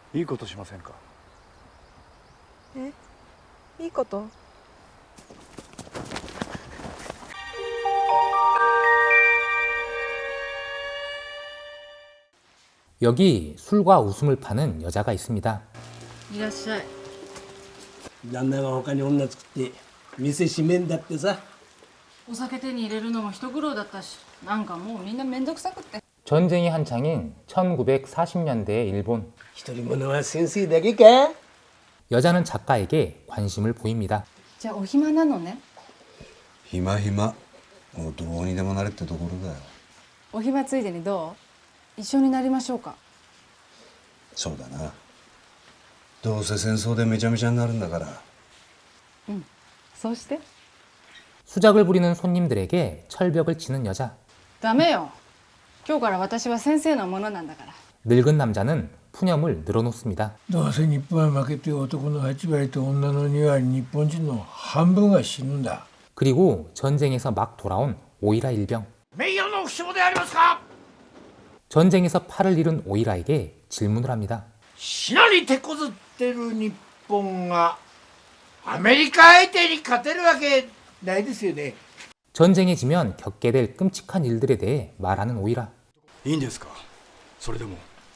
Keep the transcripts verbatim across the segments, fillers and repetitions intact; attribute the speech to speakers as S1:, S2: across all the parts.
S1: いいことしませんか。
S2: え、いいこと？
S3: 여기 술과 웃음을 파는 여자가 있습니다.
S4: いらっしゃい。
S5: 旦那が他に女作って店閉めんだってさ。
S4: お酒手に入れるのも一苦労だったし、なんかもうみんなめんどくさくって。
S3: 전쟁이 한창인 천구백사십 년대의 일본.
S5: 一人者は先生だけか。
S3: 여자는 작가에게 관심을 보입니다.
S4: じゃあお暇なのね。
S6: 暇暇もうどうにでもなれってところだよ。
S4: お暇ついでにどう？一緒になりましょうか。
S6: そうだな。どうせ戦争でめちゃめちゃになるんだから。
S4: そうして。
S3: 수작을 부리는 손님들에게 철벽을 치는 여자.
S4: ダメよ。今日から私は先生のものなんだから。
S3: 늙은 남자는 푸념을 늘어놓습니다.
S5: どうせ日本は負けて男のはち割と女のに割、日本人の半分が死ぬんだ。
S3: 그리고 전쟁에서 막 돌아온 오이라 일병.
S5: 名誉の負傷でありますか。
S3: 전쟁에서 팔을 잃은 오이라에게 질문을 합니다.
S5: 死なに手こずってる日本がアメリカ相手に勝てるわけないですよね。
S3: 전쟁에 지면 겪게 될 끔찍한 일들에 대해 말하는 오이라.
S1: いいんですか。それでも。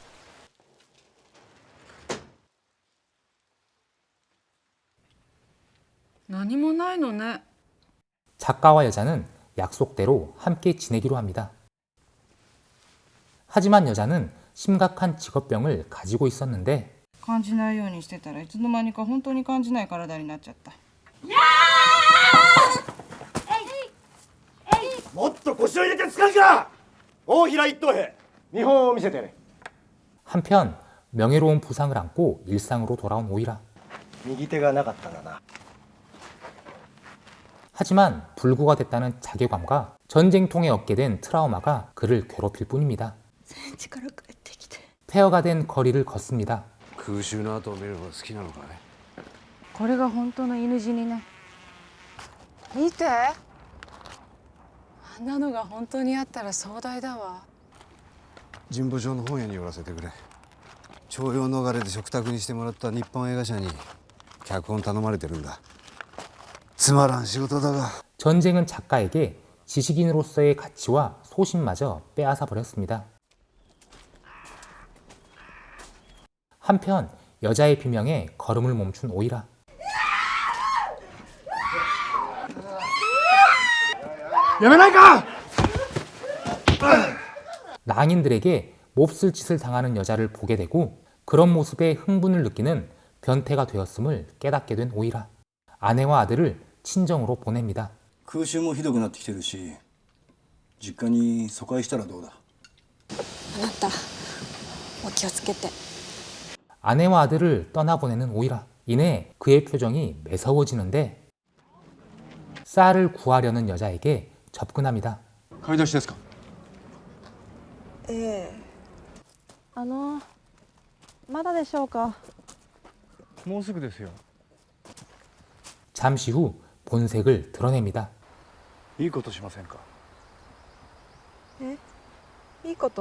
S4: 何もないのね。
S3: 작가와 여자는 약속대로 함께 지내기로 합니다. 하지만 여자는 심각한 직업병을 가지고 있었는데
S4: 感じないようにしてたらいつの間にか本当に感じない体になっちゃった。
S1: もっと腰を入れて使うか。大平一等兵、見本を見せてやれ。
S3: 한편 명예로운 부상을 안고 일상으로 돌아온 오이라.
S1: 右手がなかったんだな。
S3: 하지만 불구가 됐다는 자괴감과 전쟁통에 얻게 된 트라우마가 그를 괴롭힐 뿐입니다.
S2: 戦地から帰ってきて。
S3: 폐허가 된 거리를 걷습니다.
S6: 空襲の後を見るのが好きなのかい。
S4: これが本当の犬死にね。見て。あんなのが本当にあったら壮大だわ。
S6: 神保町の本屋に寄らせてくれ。徴用逃れで食卓にしてもらった日本映画社に脚本頼まれてるんだ。つまらん仕事だが。
S3: 전쟁은 작가에게 지식인으로서의 가치와 소신마저 빼앗아 버렸습니다. 한편 여자의 비명에 걸음을 멈춘 오이라. 낭인들에게 몹쓸 짓을 당하는 여자를 보게 되고 그런 모습에 흥분을 느끼는 변태가 되었음을 깨닫게 된 오이라. 아내와 아들을 친정으로 보냅니다.
S7: 空襲もひどくなってきてるし、実家に疎開したらどうだ。
S2: あなた、お気をつけて。
S3: 아내와 아들을 떠나보내는 오이라. 이내 그의 표정이 매서워지는데 쌀을 구하려는 여자에게 접근합니다.
S6: 買い出しですか。
S2: ええ。あの、まだでしょうか。
S1: もうすぐですよ。
S3: 잠시 후 본색을 드러냅니다.
S1: いいことしませんか。
S2: え、いいこと？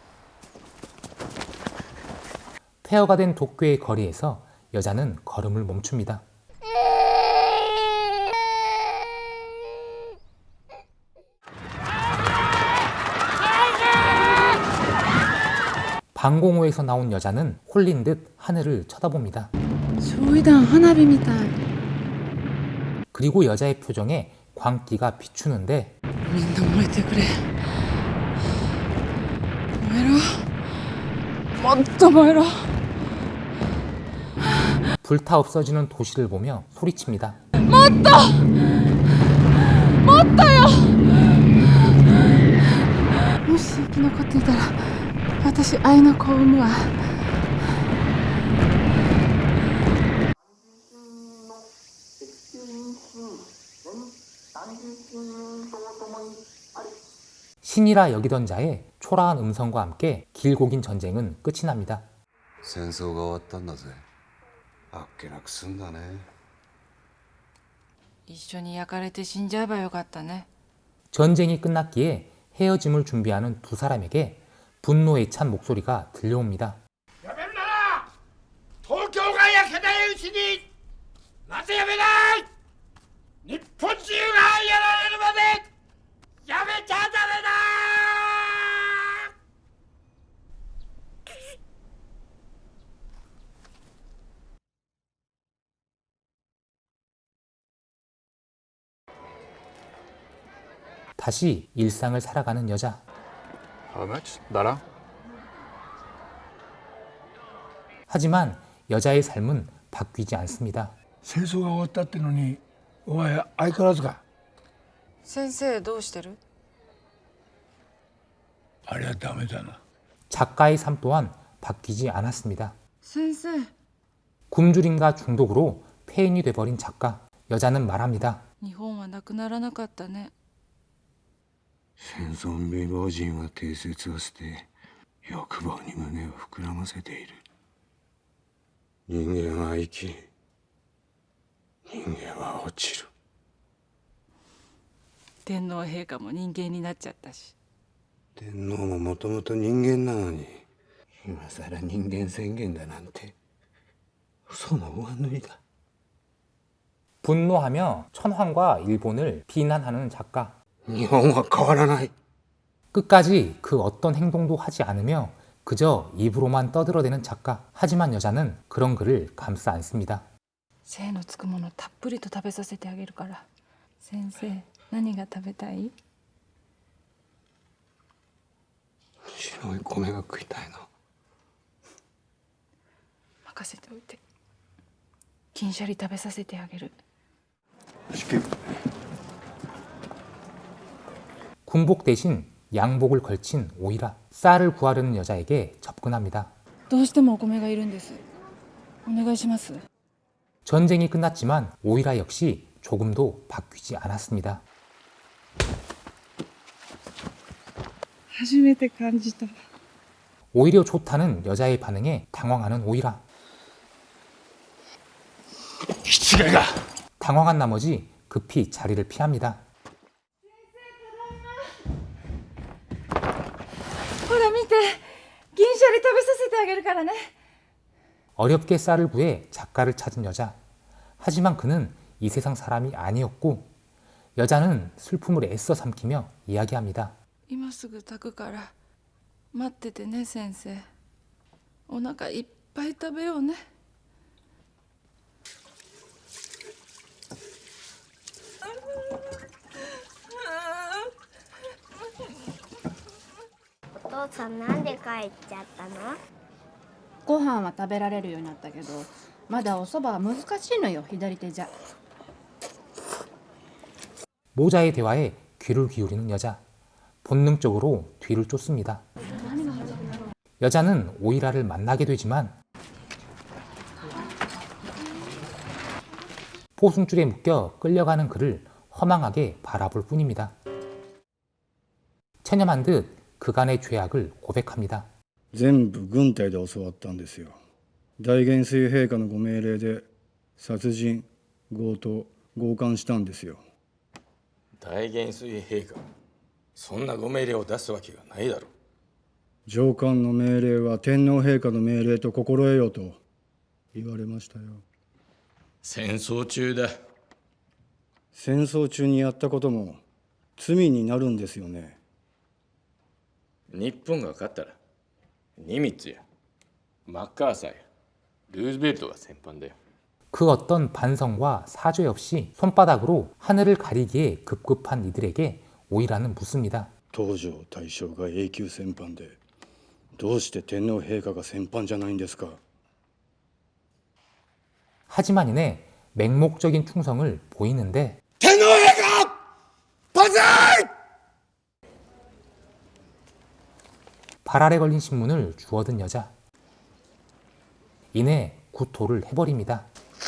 S3: 폐허가 된 도쿄의 거리에서 여자는 걸음을 멈춥니다. 방공호에서 나온 여자는 홀린 듯 하늘을 쳐다봅니다.
S4: 焼夷弾花火みたい。
S3: 그리고 여자의 표정에 광기가 비추는데
S4: みんな燃えてくれ。燃えろ。もっと燃えろ。
S3: 불타 없어지는 도시를 보며 소리칩니다.
S4: もっともっとよ。もし生き残っていたら私愛の子を産むわ。
S3: 신이라 여기던 자의 초라한 음성과 함께 길고 긴 전쟁은 끝이 납니다.
S6: 戦争が終わったんだぜ。あっけなくすんだね。
S4: 一緒に焼かれて死んじゃえばよかったね。
S3: 전쟁이 끝났기에 헤어짐을 준비하는 두 사람에게 분노에 찬 목소리가 들려옵니다.
S5: やめるならいうちになぜやめない。日本中がやられるまでやめちゃダメだ。
S3: 다시 일상을 살아가는 여자.
S8: How much? 나랑?
S3: 하지만 여자의 삶은 바뀌지 않습니다.
S5: 戦争が終わったってのにお前相変わらずか。
S4: 先生どうしてる？
S5: あれはダメだな。
S3: 작가의 삶 또한 바뀌지 않았습니다.
S4: 先生
S3: 굶주림과 중독으로 폐인이 돼버린 작가. 여자는 말합니다.
S4: 日本はなくならなかったね。
S6: 戦争未亡人は定説を捨て欲望に胸を膨らませている。人間は生き人間は落ちる。
S4: 天皇陛下も人間になっちゃったし。
S6: 天皇ももともと人間なのに今さら人間宣言だなんて嘘の上塗りだ。
S3: 분노하며 천황과 일본을 비난하는 작가.
S6: 日本は変わらない。
S3: 끝까지 그 어떤 행동도 하지 않으며 그저 입으로만 떠들어대는 작가. 하지만 여자는 그런 그를 감싸 안습니다.
S4: 精のつくものたっぷりと食べさせてあげるから。先生何が食べたい？
S6: 白い米が食いたいな。
S4: 任せておいて。金シャリ食べさせてあげる。
S3: 군복 대신 양복을 걸친 오이라. 쌀을 구하려는 여자에게 접근합니다.
S4: どうしてもお米がいるんです。お願いします。
S3: 전쟁이 끝났지만 오이라 역시 조금도 바뀌지 않았습니다.
S2: 初めて感じた。
S3: 오히려 좋다는 여자의 반응에 당황하는 오이라.
S5: 気違いが。
S3: 당황한 나머지 급히 자리를 피합니다.
S4: ほら見て、銀シャリ食べさせてあげるからね。
S3: 어렵게 쌀을 구해 작가를 찾은 여자. 하지만 그는 이 세상 사람이 아니었고 여자는 슬픔을 애써 삼키며 이야기합니다.
S4: 今すぐ炊くから待っててね先生。お腹いっぱい食べようね。
S9: お父さんなんで帰っちゃったの？
S10: ご飯は食べられるようになったけどまだおそばは難しいのよ左手じゃ。
S3: 모자의 대화에 귀를 기울이는 여자. 본능적으로 뒤를 쫓습니다. 여자는 오이라를 만나게 되지만 포승줄에 묶여 끌려가는 그를 허망하게 바라볼 뿐입니다. 체념한 듯 그간의 죄악을 고백합니다.
S7: 全部軍隊で教わったんですよ。大元帥陛下のご命令で殺人強盗強姦したんですよ。
S8: 大元帥陛下、そんなご命令を出すわけがないだろう。
S7: 上官の命令は天皇陛下の命令と心得よと言われましたよ。
S8: 戦争中だ。
S7: 戦争中にやったことも罪になるんですよね。
S8: 日本が勝ったらニミッツやマッカーサーやルーズベルトが先般だよ。
S3: 그 어떤 반성과 사죄 없이 손바닥으로 하늘을 가리기에 급급한 이들에게 오이라는 묻습니다.
S7: 東条大将が永久戦犯でどうして天皇陛下が戦犯じゃないんですか。
S3: 하지만 이내 맹목적인 충성을 보이는데
S5: 天皇陛下万歳。
S3: 발 아래 걸린 신문을 주워든 여자. 이내 구토를 해버립니다.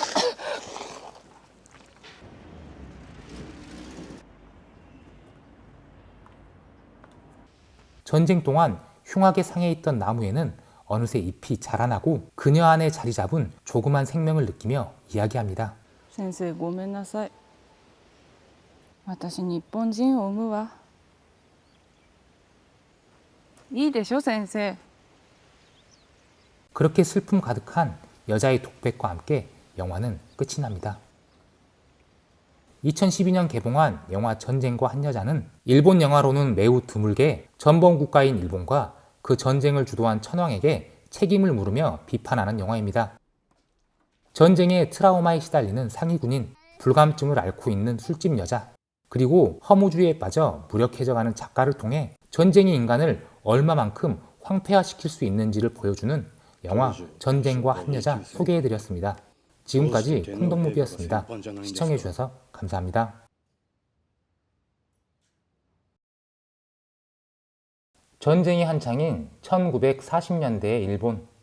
S3: 전쟁 동안 흉하게 상해 있던 나무에는 어느새 잎이 자라나고 그녀 안에 자리 잡은 조그만 생명을 느끼며 이야기합니다.
S4: 先生ごめんなさい。私日本人を産むわ。いいでしょ先生。
S3: 그렇게 슬픔 가득한 여자의 독백과 함께 영화는 끝이 납니다. 이천십이 년 개봉한 영화 전쟁과 한 여자는 일본 영화로는 매우 드물게 전범 국가인 일본과 그 전쟁을 주도한 천황에게 책임을 물으며 비판하는 영화입니다. 전쟁의 트라우마에 시달리는 상위군인, 불감증을 앓고 있는 술집 여자, 그리고 허무주의에 빠져 무력해져가는 작가를 통해 전쟁이 인간을 얼마만큼 황폐화시킬 수 있는지를 보여주는 영화 전쟁과 한 여자 소개해드렸습니다. 지금까지 콩덕무비였습니다. 시청해주셔서 감사합니다. 전쟁이 한창인 천구백사십 년대의 일본.